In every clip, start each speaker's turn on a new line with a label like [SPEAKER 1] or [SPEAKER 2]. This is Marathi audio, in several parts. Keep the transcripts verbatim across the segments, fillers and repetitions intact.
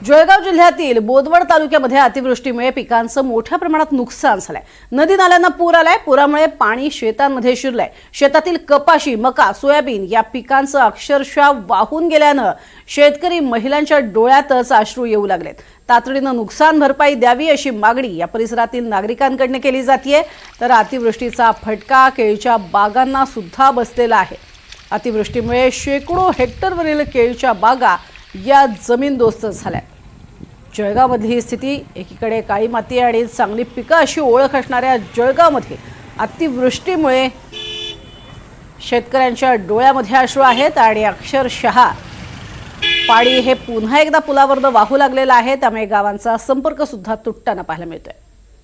[SPEAKER 1] जळगाव जिल्ह्यातील बोदवड तालुक्यामध्ये अतिवृष्टीमुळे पिकांचं मोठ्या प्रमाणात नुकसान झालंय। नदी नाल्यांना पूर आलाय। पुरामुळे पाणी शेतांमध्ये शिरलंय। शेतातील कपाशी, मका, सोयाबीन या पिकांचं अक्षरशः वाहून गेल्यानं शेतकरी महिलांच्या डोळ्यातच अश्रू येऊ लागलेत। तातडीनं नुकसान भरपाई द्यावी अशी मागणी या परिसरातील नागरिकांकडून केली जातेय। तर अतिवृष्टीचा फटका केळीच्या बागांना सुद्धा बसलेला आहे। अतिवृष्टीमुळे शेकडो हेक्टरवरील केळीच्या बागा या जमीनदोस्त झाल्या। जळगावमधली ही स्थिती, एकीकडे काळी माती आणि चांगली पिकं अशी ओळख असणाऱ्या जळगावमध्ये अतिवृष्टीमुळे शेतकऱ्यांच्या डोळ्यामध्ये अश्रू आहेत आणि अक्षरशः पाणी हे पुन्हा एकदा पुलावर वाहू लागलेलं आहे। त्यामुळे गावांचा संपर्क सुद्धा तुटताना पाहायला मिळतोय।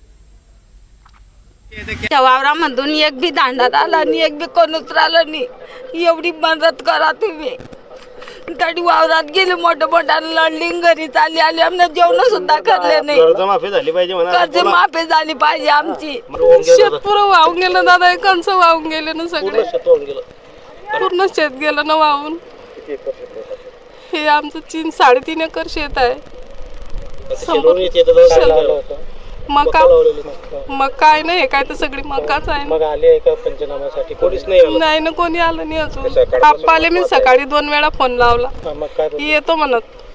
[SPEAKER 2] त्या वावरामधून एक बी दांडात आला आणि एक बी कोण उतरालं नाही। एवढी मदत करा तुम्ही। गाडी वावरात गेली, मोठं मोठं लंडिंग घरी चालली आली, आम्ही जेवण सुद्धा करले नाही।
[SPEAKER 3] कर्ज माफी झाली पाहिजे म्हणा,
[SPEAKER 2] कर्ज माफी झाली पाहिजे आमची।
[SPEAKER 4] शेतपूर वाहून गेलं दादा, एकांचं वाहून गेले ना सगळे, पूर्ण शेत गेलं ना वाहून। हे आमचं तीन साडेतीन एकर शेत आहे। मका मका आहे ना, हे काय तर सगळी मकाच आहे।
[SPEAKER 3] मग आले का पंचनाम्यासाठी? कोणीच नाही आलं?
[SPEAKER 4] नाही ना, कोणी आलं नाही अजून। आप्पा आले, मी सकाळी दोन वेळा फोन लावला, येतो म्हणत।